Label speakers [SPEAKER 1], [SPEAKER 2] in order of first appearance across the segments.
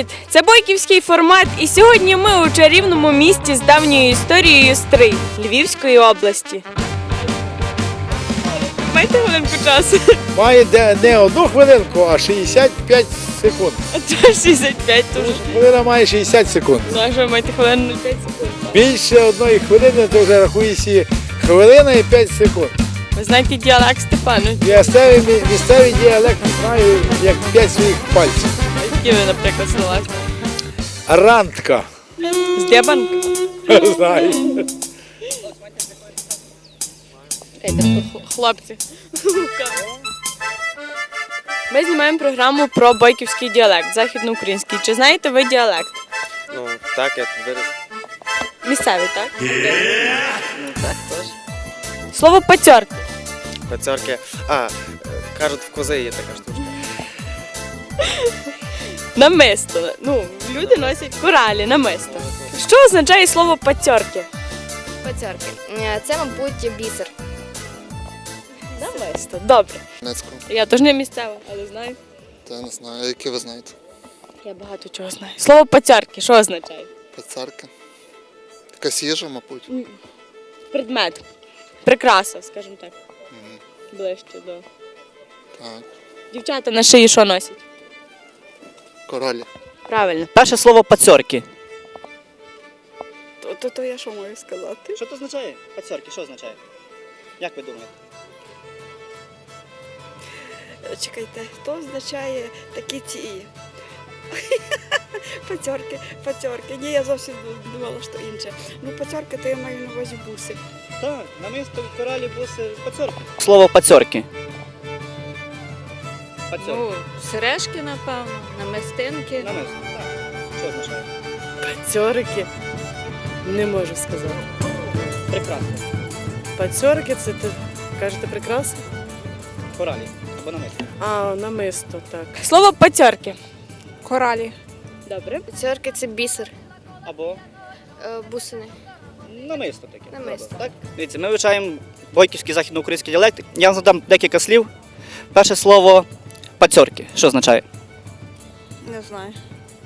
[SPEAKER 1] Привіт! Це бойківський формат, і сьогодні ми у чарівному місті з давньою історією Стрий Львівської області. Маєте хвилинку часу?
[SPEAKER 2] Має не одну хвилинку, а 65 секунд.
[SPEAKER 1] А то 65 дуже.
[SPEAKER 2] Хвилина має 60 секунд.
[SPEAKER 1] Ну, а що ви маєте хвилину 5 секунд?
[SPEAKER 2] Більше одної хвилини, то вже рахується хвилина і 5 секунд.
[SPEAKER 1] Ви знаєте діалект Степанович?
[SPEAKER 2] Місцевий діалект знаю як 5 своїх пальців.
[SPEAKER 1] Які ви, наприклад, слова?
[SPEAKER 2] Рантка.
[SPEAKER 1] З Дебанка?
[SPEAKER 2] Знаю.
[SPEAKER 1] Хлопці. Ми знімаємо програму про бойківський діалект, західноукраїнський. Чи знаєте ви діалект?
[SPEAKER 3] Ну, так, я тут виріс.
[SPEAKER 1] Місцевий, так?
[SPEAKER 3] Ну, так, теж.
[SPEAKER 1] Слово пацьорки.
[SPEAKER 3] Пацьорки. Кажуть, в кози є така штучка.
[SPEAKER 1] Намисто. Ну, люди носять коралі, намисто. Що означає слово пацьорки?
[SPEAKER 4] Пацьорки. Це, мабуть, бісер.
[SPEAKER 1] Намисто. Добре.
[SPEAKER 5] Донецького.
[SPEAKER 1] Я теж не місцева, але знаю.
[SPEAKER 5] Та не знаю, які ви знаєте.
[SPEAKER 1] Я багато чого знаю. Слово пацьорки, що означає?
[SPEAKER 5] Пацарка. Якась їжа, мабуть.
[SPEAKER 1] Предмет. Прикраса, скажімо так. Ближче до.
[SPEAKER 5] Так.
[SPEAKER 1] Дівчата на шиї що носять?
[SPEAKER 5] Коралі.
[SPEAKER 1] Правильно.
[SPEAKER 6] Перше слово пацьорки.
[SPEAKER 7] То я що маю сказати?
[SPEAKER 6] Що це означає? Пацьорки, що означає? Як ви думаєте?
[SPEAKER 7] Чекайте, то означає такі ці. Пацьорки. Ні, я зовсім думала, що інше. Ну, пацьорки, то я маю на увазі буси.
[SPEAKER 6] Так, намисто коралі буси пацьорки. Слово пацьорки. Пацьорки.
[SPEAKER 8] Ну, сережки, напевно, намистинки.
[SPEAKER 6] Намисто, так. Що означає?
[SPEAKER 9] Пацьорики? Не можу сказати.
[SPEAKER 6] Прекрасно.
[SPEAKER 9] Пацьорики це ти кажете прикраса?
[SPEAKER 6] Коралі або намисто.
[SPEAKER 9] А, намисто, так.
[SPEAKER 1] Слово пацьорки.
[SPEAKER 7] Коралі.
[SPEAKER 1] Добре.
[SPEAKER 4] Пацьорки – це бісер.
[SPEAKER 6] Або
[SPEAKER 4] Бусини.
[SPEAKER 6] намисто таке.
[SPEAKER 4] Намисто.
[SPEAKER 6] Добре, так? Дивіться, ми вивчаємо бойківський західноукраїнський діалект. Я вам задам декілька слів. Перше слово пацьорки. Що означає?
[SPEAKER 7] Не знаю.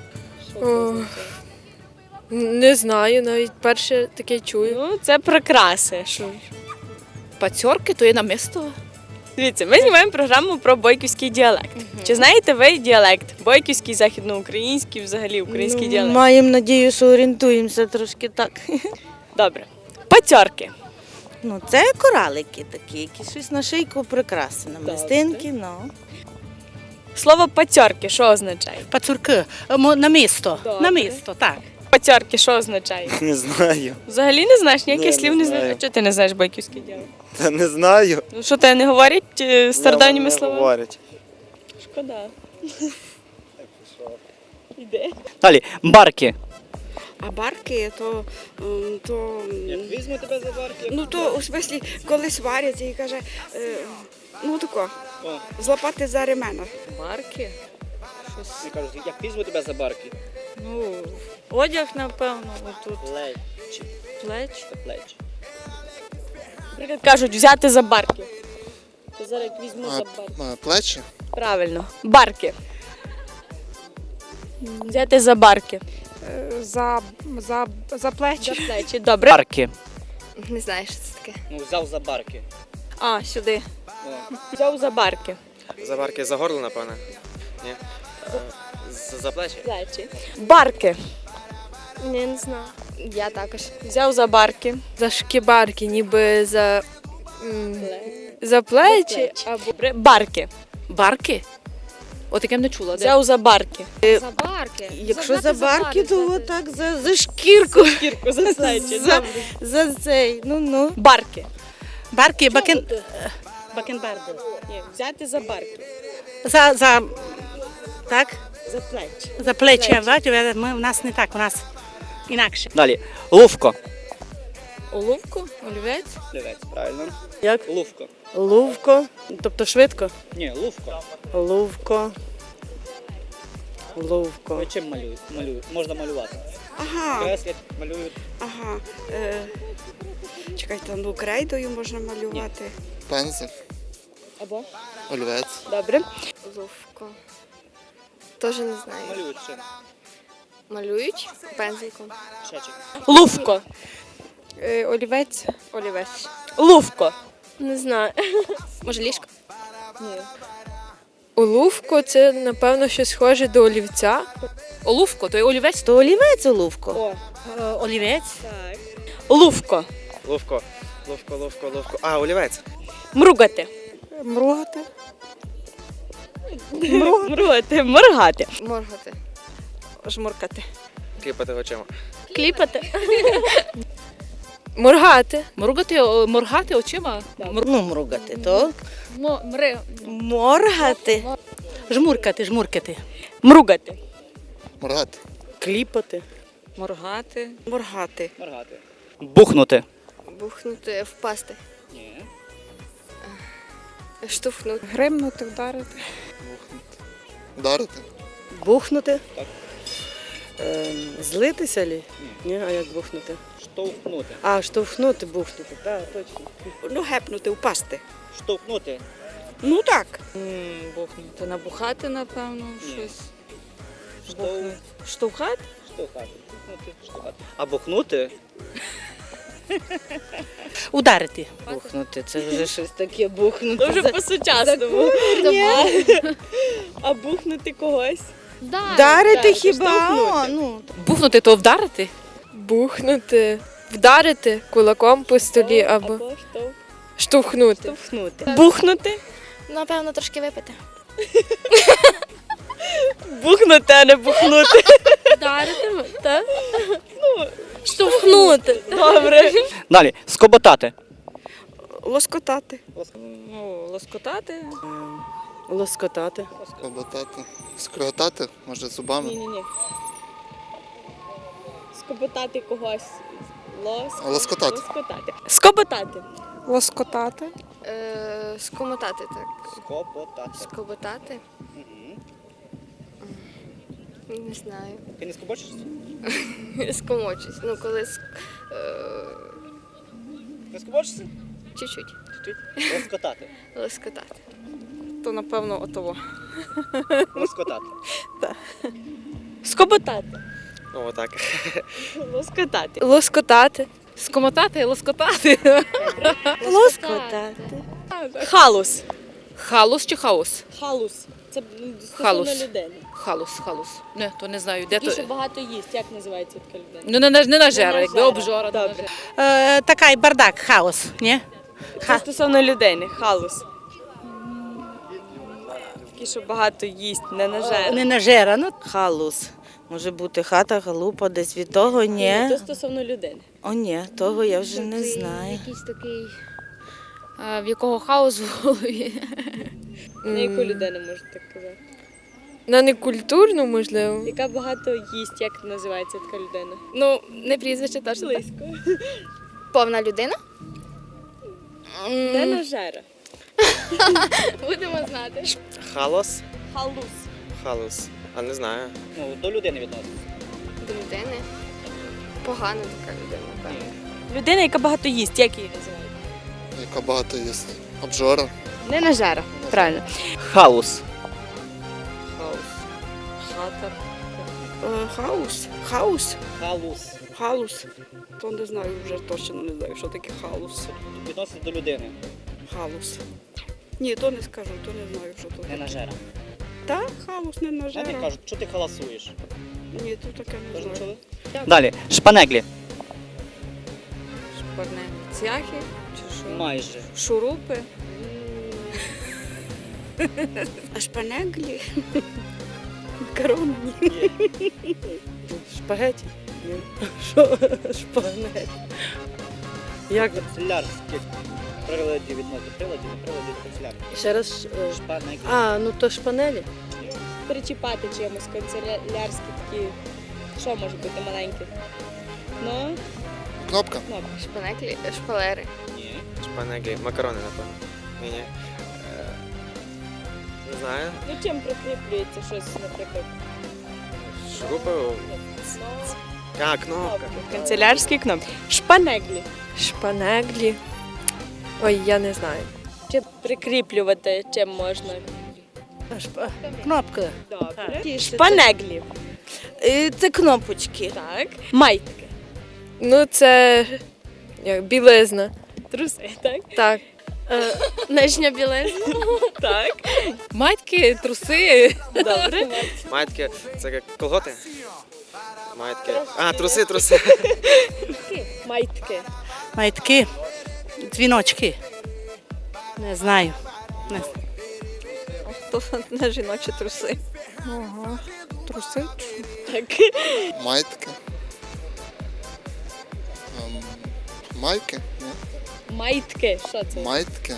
[SPEAKER 8] Не знаю, навіть перше таке чую.
[SPEAKER 1] Ну, це прикраси. Що?
[SPEAKER 8] Пацьорки, то є намисто.
[SPEAKER 1] Дивіться, ми знімаємо програму про бойківський діалект. Чи знаєте ви діалект? Бойківський, західноукраїнський, взагалі український діалект?
[SPEAKER 10] Маємо надію, що орієнтуємося трошки так.
[SPEAKER 1] Добре. Пацьорки.
[SPEAKER 10] Ну, це коралики такі, які щось на шийку прикраси, на мистинки, ну.
[SPEAKER 1] Слово пацьорки, що означає?
[SPEAKER 11] Пацюрки, намисто.
[SPEAKER 1] Добре.
[SPEAKER 11] Намисто, так.
[SPEAKER 1] Пацьорки, що означає?
[SPEAKER 3] Не знаю.
[SPEAKER 1] Взагалі не знаєш, ніяких
[SPEAKER 3] Ні,
[SPEAKER 1] слів
[SPEAKER 3] не
[SPEAKER 1] не знаєш.
[SPEAKER 3] знаю.
[SPEAKER 1] А чого ти не знаєш бойківський діалект?
[SPEAKER 3] Та не знаю.
[SPEAKER 1] Ну що, тебе не говорять стародавніми
[SPEAKER 3] Не
[SPEAKER 1] словами?
[SPEAKER 3] говорять.
[SPEAKER 1] Шкода. Іде.
[SPEAKER 6] Далі. Барки.
[SPEAKER 7] А барки, то
[SPEAKER 6] Візьму тебе за барки.
[SPEAKER 7] ну то у смислі, коли сваряться і каже, ну тако,
[SPEAKER 6] О.
[SPEAKER 7] злапати за ремена.
[SPEAKER 8] Марки.
[SPEAKER 6] Я кажу, як візьму тебе за барки.
[SPEAKER 8] Ну, одяг, напевно, отут.
[SPEAKER 6] Плечі.
[SPEAKER 8] Плеч.
[SPEAKER 6] Плечі.
[SPEAKER 1] Наприклад, кажуть, взяти за барки. То зараз як візьму за барки.
[SPEAKER 5] Плечі.
[SPEAKER 1] Правильно. Барки. Взяти за барки.
[SPEAKER 7] За
[SPEAKER 1] За
[SPEAKER 7] плечі.
[SPEAKER 1] плечі. Добре.
[SPEAKER 6] Барки.
[SPEAKER 4] Не знаю, що це таке.
[SPEAKER 6] Ну, взяв за барки.
[SPEAKER 8] А, сюди.
[SPEAKER 1] Взяв за барки.
[SPEAKER 3] За барки за горло, напевно. Ні. За плечі.
[SPEAKER 1] Плечі. Барки.
[SPEAKER 4] Ні, не знаю. Я також.
[SPEAKER 1] Взяв за барки.
[SPEAKER 8] За шкібарки, ніби за плечі. Або
[SPEAKER 1] Добре. Барки.
[SPEAKER 8] барки? От таке не чула. Де?
[SPEAKER 1] Взяв за барки.
[SPEAKER 4] За барки.
[SPEAKER 10] Якщо за барки, то отак за шкірку,
[SPEAKER 1] Кірку за плечі.
[SPEAKER 10] за цей, ну.
[SPEAKER 1] Барки.
[SPEAKER 11] Барки, бакенбарди.
[SPEAKER 1] Ні, взяти за барки.
[SPEAKER 11] Так?
[SPEAKER 1] За плечі.
[SPEAKER 11] За плечі. Бачите, у нас не так, у нас інакше.
[SPEAKER 6] Далі. Лувко.
[SPEAKER 8] Оловку? Олівець?
[SPEAKER 6] Лівець, правильно.
[SPEAKER 9] Як?
[SPEAKER 6] Лувко.
[SPEAKER 9] Лувко, тобто швидко.
[SPEAKER 6] Ні, лувко.
[SPEAKER 9] Лувко. Лувко.
[SPEAKER 6] Ви чим малюють? Можна малювати.
[SPEAKER 7] Ага,
[SPEAKER 6] Креслять, малюють.
[SPEAKER 7] ага. Чекайте, ну крейдою можна малювати.
[SPEAKER 5] Пензель.
[SPEAKER 1] Або?
[SPEAKER 5] Олівець.
[SPEAKER 1] Добре.
[SPEAKER 4] Ловко. Теж не знаю.
[SPEAKER 6] Малюють чим.
[SPEAKER 4] Малюють пензликом.
[SPEAKER 1] Лувко.
[SPEAKER 7] Олівець. Олівець.
[SPEAKER 1] Лувко.
[SPEAKER 4] Не знаю. Може, ліжко?
[SPEAKER 8] Олувко це, напевно, щось схоже до олівця.
[SPEAKER 11] Олувко, то є олівець.
[SPEAKER 10] То олівець олувко.
[SPEAKER 11] Олівець.
[SPEAKER 1] Лувко.
[SPEAKER 3] Ловко. Ловко. А, олівець.
[SPEAKER 1] Мругати.
[SPEAKER 7] Мругати.
[SPEAKER 1] Мругати. Моргати.
[SPEAKER 4] Моргати.
[SPEAKER 7] Жмуркати.
[SPEAKER 3] Кліпати очима.
[SPEAKER 1] Кліпати.
[SPEAKER 8] Моргати.
[SPEAKER 11] Моргати очима.
[SPEAKER 10] Ну, мругати, то.
[SPEAKER 11] Мри.
[SPEAKER 10] Моргати.
[SPEAKER 11] Жмуркати.
[SPEAKER 1] Мругати.
[SPEAKER 5] Моргати.
[SPEAKER 9] Кліпати.
[SPEAKER 7] Моргати. Моргати.
[SPEAKER 6] Бухнути.
[SPEAKER 4] Бухнути, впасти.
[SPEAKER 6] Ні.
[SPEAKER 4] Штовхнути.
[SPEAKER 7] Гримнути, вдарити.
[SPEAKER 5] Ударити.
[SPEAKER 9] Бухнути.
[SPEAKER 6] Так.
[SPEAKER 9] Злитися лі? Ні, а як бухнути?
[SPEAKER 6] Штовхнути.
[SPEAKER 9] А, штовхнути, бухнути. Так, точно.
[SPEAKER 7] Ну, гепнути, впасти.
[SPEAKER 6] Штовхнути.
[SPEAKER 7] Ну так.
[SPEAKER 8] Бухнути. Набухати, напевно, щось.
[SPEAKER 6] Штовхати.
[SPEAKER 8] Штовхати?
[SPEAKER 6] Штовхати. Бухнути. Штовхати. А бухнути?
[SPEAKER 11] Ударити.
[SPEAKER 10] Бухнути, це вже щось таке бухнути.
[SPEAKER 1] Дуже по-сучасному. А бухнути когось.
[SPEAKER 10] Вдарити
[SPEAKER 1] Так,
[SPEAKER 10] хіба?
[SPEAKER 1] штовхнути.
[SPEAKER 10] О, ну.
[SPEAKER 11] Бухнути то вдарити.
[SPEAKER 8] Бухнути. Вдарити кулаком по столі або штовхнути.
[SPEAKER 1] Штовхнути. Бухнути.
[SPEAKER 4] Напевно, трошки випити.
[SPEAKER 1] Бухнути, а не бухнути.
[SPEAKER 8] Вдарити, так? Штовхнути.
[SPEAKER 1] Добре.
[SPEAKER 6] Далі. Скоботати.
[SPEAKER 7] Лоскотати.
[SPEAKER 8] Ну, лоскотати.
[SPEAKER 9] Лоскотати.
[SPEAKER 5] Скоботати. Скриготати, може, зубами.
[SPEAKER 1] Ні. Скоботати когось.
[SPEAKER 5] Лоскотати.
[SPEAKER 1] Лоскотати. Скоботати.
[SPEAKER 7] Лоскотати.
[SPEAKER 4] Скомотати, так.
[SPEAKER 6] Скоботати.
[SPEAKER 4] Скоботати. Не знаю.
[SPEAKER 6] Ти не скобочишся?
[SPEAKER 4] Скомочусь. Ну, коли
[SPEAKER 6] Не скобочишся?
[SPEAKER 4] чуть-чуть.
[SPEAKER 6] Лоскотати.
[SPEAKER 4] Лоскотати.
[SPEAKER 7] То, напевно, отово.
[SPEAKER 6] Лоскотати.
[SPEAKER 1] Скоботати.
[SPEAKER 3] Ну, отак.
[SPEAKER 1] Лоскотати.
[SPEAKER 8] Лоскотати.
[SPEAKER 11] Скомотати, лоскотати.
[SPEAKER 10] Лоскотати.
[SPEAKER 1] Халус.
[SPEAKER 11] Халус чи хаос?
[SPEAKER 1] Халус. Це
[SPEAKER 11] Халус.
[SPEAKER 1] стосовно людини.
[SPEAKER 11] Халус. Не, то не знаю, де
[SPEAKER 1] Ті,
[SPEAKER 11] то.
[SPEAKER 1] що багато їсть. Як називається така людина?
[SPEAKER 11] Ну, не нажера, якби
[SPEAKER 1] нажера.
[SPEAKER 11] обжора.
[SPEAKER 1] Добре.
[SPEAKER 11] Такий бардак, хаос, ні?
[SPEAKER 1] Це стосовно людини. Халус. Такі, що багато їсть, не нажера.
[SPEAKER 11] Не нажера, ну.
[SPEAKER 10] Халус. Може бути хата, халупа, десь від того, ні.
[SPEAKER 1] Це стосовно людини.
[SPEAKER 10] О, ні, того я вже не знаю.
[SPEAKER 4] Якийсь такий, в якого хаос в голові.
[SPEAKER 1] На яку людину можна так казати?
[SPEAKER 8] На некультурну, можливо.
[SPEAKER 1] Яка багато їсть, як називається така людина?
[SPEAKER 4] Ну, не прізвище теж.
[SPEAKER 1] Близько.
[SPEAKER 4] Повна людина?
[SPEAKER 1] Не нажера.
[SPEAKER 4] Будемо знати.
[SPEAKER 3] Халос.
[SPEAKER 1] Халус.
[SPEAKER 3] Халус. А не знаю.
[SPEAKER 6] Ну, до людини відноситься.
[SPEAKER 4] До людини. Погана така людина, напевно.
[SPEAKER 1] Людина, яка багато їсть, як її називають?
[SPEAKER 5] Яка багато є. Обжора.
[SPEAKER 1] Не нажера. Правильно.
[SPEAKER 6] Хаус.
[SPEAKER 1] Хата.
[SPEAKER 7] Хаус. Хаус.
[SPEAKER 6] Халус.
[SPEAKER 7] Халус. То не знаю, вже точно не знаю, що таке халус.
[SPEAKER 6] Відноситься до людини.
[SPEAKER 7] Халус. Ні, то не скажу, то не знаю, що то
[SPEAKER 6] Не
[SPEAKER 7] таке.
[SPEAKER 6] нажера.
[SPEAKER 7] Так, халус не
[SPEAKER 6] Знаєте,
[SPEAKER 7] нажера.
[SPEAKER 6] кажуть, що ти халасуєш?
[SPEAKER 7] Ні, то таке не
[SPEAKER 6] Тож не
[SPEAKER 7] знаю.
[SPEAKER 6] чули? Далі. Шпанеглі.
[SPEAKER 8] Шпарне. Цяхи чи що?
[SPEAKER 6] Майже.
[SPEAKER 8] Шурупи.
[SPEAKER 7] А шпанеглі? Макарони.
[SPEAKER 9] Шпагеті? Ні. Що? Шпагеті. Як?
[SPEAKER 6] Канцелярських приладів відносить. Приладів, не приладів, канцелярських.
[SPEAKER 9] Ще раз.
[SPEAKER 6] Шпанеглі.
[SPEAKER 9] А, ну то шпанелі.
[SPEAKER 1] Причіпати чимось, канцелярські такі. Що може бути маленьке? Ну,
[SPEAKER 5] Кнопка.
[SPEAKER 4] Шпанеклі, шпалери.
[SPEAKER 6] Ні.
[SPEAKER 3] Шпанеглі. Макарони, напевно. Ні. Не знаю.
[SPEAKER 1] ну чим прикріплюється щось, наприклад?
[SPEAKER 3] Шурупи. А, кнопка.
[SPEAKER 1] Канцелярські кнопки. Шпанеглі.
[SPEAKER 8] Шпанеглі. Ой, я не знаю.
[SPEAKER 1] Чи прикріплювати чим можна?
[SPEAKER 11] Кнопка.
[SPEAKER 1] Добре. Шпанеглі.
[SPEAKER 10] Це кнопочки.
[SPEAKER 1] Так. Майтки.
[SPEAKER 8] Ну, це як, білизна.
[SPEAKER 1] Труси, так?
[SPEAKER 8] Так.
[SPEAKER 4] Нижня білизна.
[SPEAKER 1] Так.
[SPEAKER 8] Матьки, труси.
[SPEAKER 1] Добре.
[SPEAKER 3] Маєтки, це як колготи? Маєтки. А, труси.
[SPEAKER 1] Майтки.
[SPEAKER 11] Майтки, дзвіночки. Не знаю.
[SPEAKER 7] То не жіночі труси.
[SPEAKER 8] Труси?
[SPEAKER 1] Так.
[SPEAKER 5] Майтки. Майки? Ні.
[SPEAKER 1] Майтки. Що це?
[SPEAKER 5] Майтки.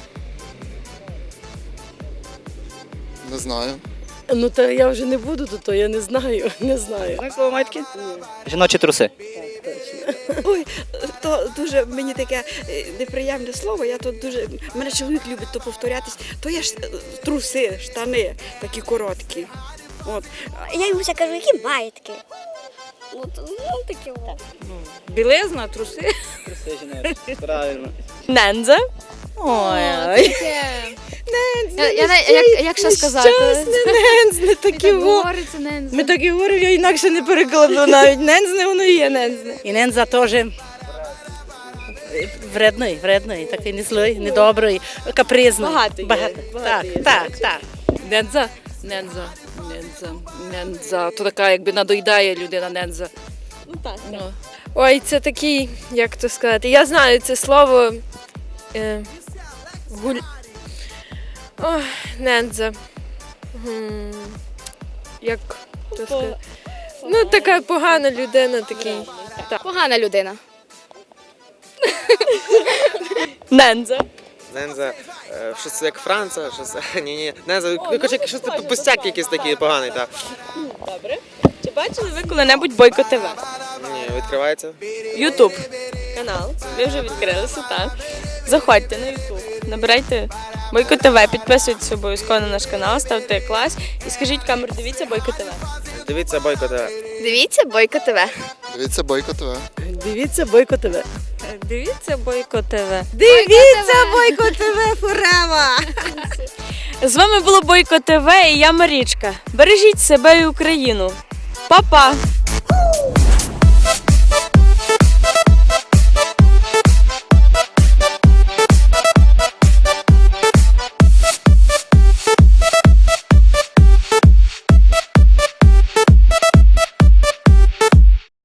[SPEAKER 5] Не знаю.
[SPEAKER 9] Ну, та я вже не буду, то я не знаю. Не знаю.
[SPEAKER 6] Знаєш слово майтки? Жіночі труси.
[SPEAKER 7] Ой, то дуже мені таке неприємне слово. Я тут дуже. Мене чоловік любить то повторятись. То є ж труси, штани такі короткі. От.
[SPEAKER 4] Я йому все кажу, які маєтки. Ну, такі от.
[SPEAKER 7] Білизна, труси.
[SPEAKER 6] Труси жіночі. Правильно.
[SPEAKER 1] Ненза.
[SPEAKER 10] Ой,
[SPEAKER 4] Як ще сказати?
[SPEAKER 10] нензне такі во.
[SPEAKER 4] Говориться, не
[SPEAKER 10] Ми так і говоримо, я інакше не перекладу навіть. Нензне, воно і є нензне.
[SPEAKER 11] І ненза теж вредний, такий не злий, недобрий, капризний.
[SPEAKER 1] Багато є, багато
[SPEAKER 11] Так,
[SPEAKER 1] є.
[SPEAKER 11] так.
[SPEAKER 8] Ненза. То така, якби надоїдає людина ненза.
[SPEAKER 1] Ну так. так.
[SPEAKER 8] Ой, це такий, як то сказати. Я знаю це слово. Ой, ненза. Як то сказати? Ну, така погана людина, такий.
[SPEAKER 4] Погана людина.
[SPEAKER 1] Ненза.
[SPEAKER 3] Ненза, щось як Франца, щось. Ні. Ненза, щось пустяк якийсь такий поганий, так.
[SPEAKER 1] Добре. Чи бачили ви коли-небудь Бойко ТВ?
[SPEAKER 3] Ні, відкривається.
[SPEAKER 1] Ютуб канал. Ви вже відкрилися, так? Заходьте на Ютуб, набирайте Бойко ТВ, підписуйтесь обов'язково на наш канал, ставте клас і скажіть камеру, дивіться Бойко ТВ.
[SPEAKER 3] Дивіться Бойко ТВ.
[SPEAKER 4] Дивіться, Бойко ТВ.
[SPEAKER 5] Дивіться Бойко ТВ.
[SPEAKER 9] Дивіться, Бойко ТВ.
[SPEAKER 8] Дивіться Бойко ТВ.
[SPEAKER 10] Дивіться, Бойко ТВ Форева!
[SPEAKER 1] З вами було Бойко ТВ і я Марічка. Бережіть себе і Україну. Па-па!